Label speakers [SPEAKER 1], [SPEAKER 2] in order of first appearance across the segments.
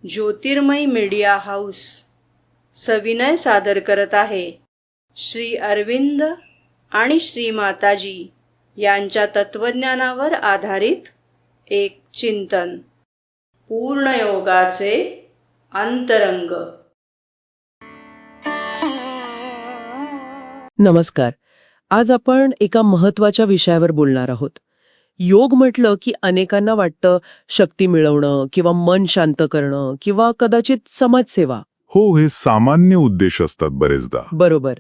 [SPEAKER 1] ज्योतिर्मय media house सविनय सादर करत आहे श्री अरविंद आणि श्री माताजी यांच्या तत्वज्ञानावर आधारित एक चिंतन, पूर्णयोगाचे अंतरंग.
[SPEAKER 2] नमस्कार. आज आपण एका महत्त्वाच्या विषयावर बोलणार आहोत. योग म्हटलं की अनेकांना वाटतं शक्ती मिळवणं किंवा मन शांत करणं किंवा कदाचित समाजसेवा.
[SPEAKER 3] हो, हे सामान्य उद्देश असतात बरेचदा.
[SPEAKER 2] बरोबर.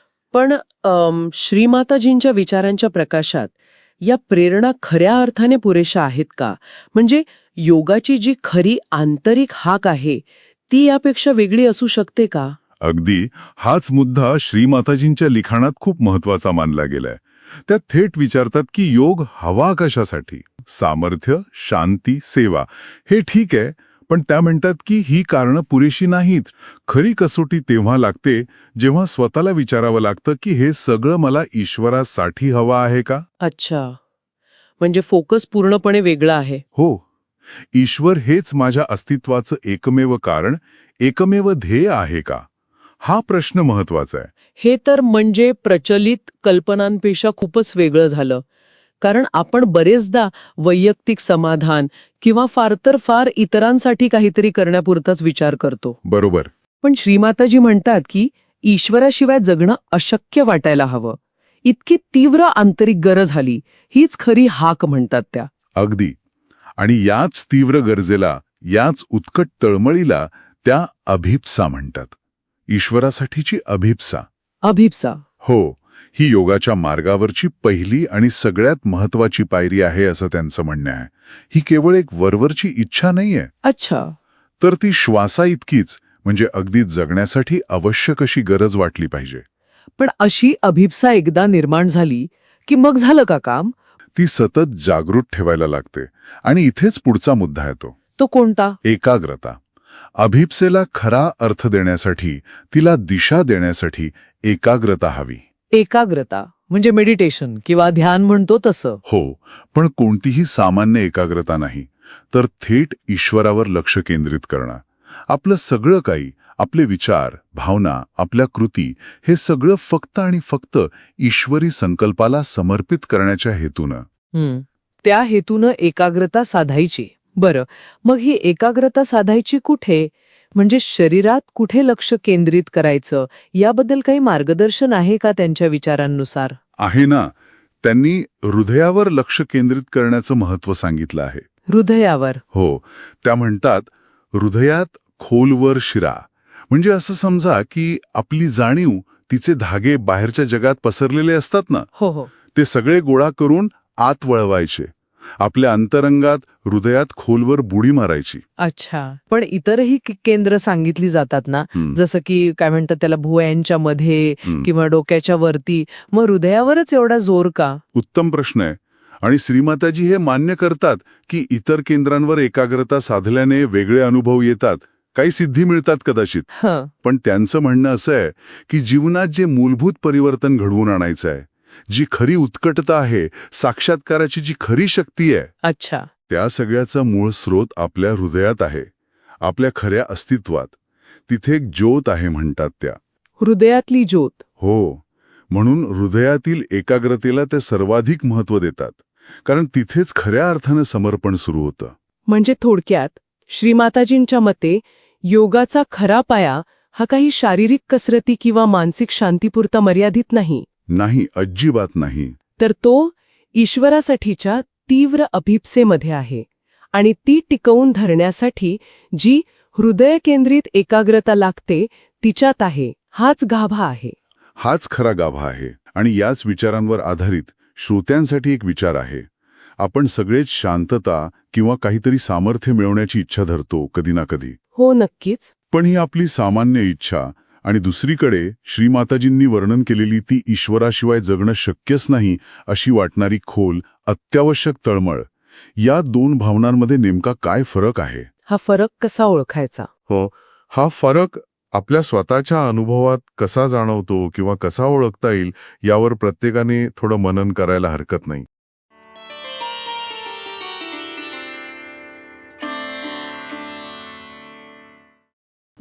[SPEAKER 2] पण श्रीमाताजींच्या विचारांच्या प्रकाशात या प्रेरणा खऱ्या अर्थाने पुरेशा आहेत का? म्हणजे योगाची जी खरी आंतरिक हाक आहे ती यापेक्षा वेगळी असू शकते का?
[SPEAKER 3] अगदी हाच मुद्दा श्रीमाताजींच्या लिखाणात खूप महत्वाचा मानला गेलाय. त्यात थेट विचारतात की योग हवा कशासाठी? सामर्थ्य, शांती, सेवा हे ठीक आहे, पण त्या म्हणतात की ही कारणं पुरेशी नाहीत. खरी कसोटी तेव्हा लागते जेव्हा स्वतःला विचारावं लागतं की हे सगळं मला ईश्वरासाठी हवं आहे का?
[SPEAKER 2] अच्छा, म्हणजे फोकस पूर्णपणे वेगळा आहे.
[SPEAKER 3] हो, ईश्वर हेच माझ्या अस्तित्वाचं एकमेव कारण, एकमेव ध्येय आहे का? हा प्रश्न महत्वाचा आहे.
[SPEAKER 2] हे तर म्हणजे प्रचलित कल्पनांपेक्षा खूपच वेगळं झालं. कारण आपण बरेचदा वैयक्तिक समाधान किंवा फार तर फार इतरांसाठी काहीतरी करण्यापुरताच विचार करतो.
[SPEAKER 3] बरोबर.
[SPEAKER 2] पण श्रीमाताजी म्हणतात की ईश्वराशिवाय जगणं अशक्य वाटायला हवं. इतकी तीव्र आंतरिक गरज झाली, हीच खरी हाक म्हणतात त्या.
[SPEAKER 3] अगदी. आणि याच तीव्र गरजेला, याच उत्कट तळमळीला त्या अभिप्सा म्हणतात. ईश्वरासाठीची अभिप्सा.
[SPEAKER 2] अभिप्सा.
[SPEAKER 3] हो, ही योगाच्या मार्गावरची पहिली आणि सगळ्यात महत्वाची पायरी आहे असं त्यांचं म्हणणं आहे. ही केवळ एक वरवरची इच्छा नाहीये.
[SPEAKER 2] अच्छा.
[SPEAKER 3] तर ती श्वासा इतकीच, म्हणजे अगदी जगण्यासाठी आवश्यक अशी गरज वाटली पाहिजे.
[SPEAKER 2] पण अशी अभिप्सा एकदा निर्माण झाली की मग झालं का काम?
[SPEAKER 3] ती सतत जागृत ठेवायला लागते. आणि इथेच पुढचा मुद्दा येतो.
[SPEAKER 2] तो कोणता?
[SPEAKER 3] एकाग्रता. अभिप्सेला खरा अर्थ देण्यासाठी, तिला दिशा देण्यासाठी एकाग्रता हवी.
[SPEAKER 2] एकाग्रता म्हणजे मेडिटेशन किंवा ध्यान म्हणतो तसं.
[SPEAKER 3] हो, पण कोणतीही सामान्य एकाग्रता नाही, तर थेट ईश्वरावर लक्ष केंद्रित करणं. आपलं सगळं काही, आपले विचार, भावना, आपल्या कृती, हे सगळं फक्त आणि फक्त ईश्वरी संकल्पाला समर्पित करण्याच्या हेतूनं.
[SPEAKER 2] त्या हेतूनं एकाग्रता साधायची. बरं, मग ही एकाग्रता साधायची कुठे? म्हणजे शरीरात कुठे लक्ष केंद्रित करायचं याबद्दल काही मार्गदर्शन आहे का त्यांच्या विचारांनुसार?
[SPEAKER 3] आहे ना. त्यांनी हृदयावर लक्ष केंद्रित करण्याचं महत्त्व सांगितलं आहे.
[SPEAKER 2] हृदयावर?
[SPEAKER 3] हो, त्या म्हणतात हृदयात खोलवर शिरा. म्हणजे असं समजा की आपली जाणीव, तिचे धागे बाहेरच्या जगात पसरलेले असतात ना,
[SPEAKER 2] हो,
[SPEAKER 3] ते सगळे गोळा करून आत वळवायचे. आपल्या अंतरंगात, हृदयात खोलवर बुडी मारायची.
[SPEAKER 2] अच्छा. पण इतरही केंद्र सांगितली जातात ना, जसं की काय म्हणतात त्याला, भुवयांच्या मध्ये किंवा डोक्याच्या वरती. मग हृदयावरच एवढा जोर का?
[SPEAKER 3] उत्तम प्रश्न आहे. आणि श्रीमाताजी हे मान्य करतात की इतर केंद्रांवर एकाग्रता साधल्याने वेगळे अनुभव येतात, काही सिद्धी मिळतात कदाचित. पण त्यांचं म्हणणं असं आहे की जीवनात जे मूलभूत परिवर्तन घडवून आणायचं आहे, जी खरी उत्कटता आहे, साक्षात्काराची जी खरी शक्ती आहे,
[SPEAKER 2] अच्छा,
[SPEAKER 3] त्या सगळ्याचा मूळ स्रोत आपल्या हृदयात आहे, आपल्या खऱ्या अस्तित्वात. तिथे एक ज्योत आहे म्हणतात त्या.
[SPEAKER 2] हृदयातली ज्योत.
[SPEAKER 3] हो, म्हणून हृदयातील एकाग्रतेला ते सर्वाधिक महत्त्व देतात, कारण तिथेच खऱ्या अर्थानं समर्पण सुरू होतं.
[SPEAKER 2] म्हणजे थोडक्यात श्रीमाताजींच्या मते योगाचा खरा पाया हा काही शारीरिक कसरती किंवा मानसिक शांतीपुरता मर्यादित नाही.
[SPEAKER 3] नाही, अजिबात नाही.
[SPEAKER 2] तर तो ईश्वरासाठीच्या तीव्र अभिप्सेमध्ये आहे. आणि ती टिकवून धरण्यासाठी जी हृदय केंद्रित एकाग्रता लागते तिच्यात आहे. हाच गाभा आहे.
[SPEAKER 3] हाच खरा गाभा आहे. आणि याच विचारांवर आधारित श्रोत्यांसाठी एक विचार आहे. आपण सगळेच शांतता किंवा काहीतरी सामर्थ्य मिळवण्याची इच्छा धरतो कधी ना कधी.
[SPEAKER 2] हो, नक्कीच.
[SPEAKER 3] पण ही आपली सामान्य इच्छा, आणि दुसरीकडे श्रीमाताजींनी वर्णन केलेली ती ईश्वराशिवाय जगणं शक्यच नाही अशी वाटणारी खोल, अत्यावश्यक तळमळ, या दोन भावनांमध्ये नेमका काय फरक आहे?
[SPEAKER 2] हा फरक कसा ओळखायचा?
[SPEAKER 3] हो, हा फरक आपल्या स्वतःच्या अनुभवात कसा जाणवतो किंवा कसा ओळखता येईल यावर प्रत्येकाने थोडं मनन करायला हरकत नाही.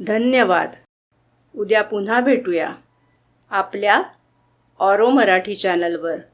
[SPEAKER 1] धन्यवाद. उद्या पुन्हा भेटूया आपल्या ऑरो मराठी चॅनलवर.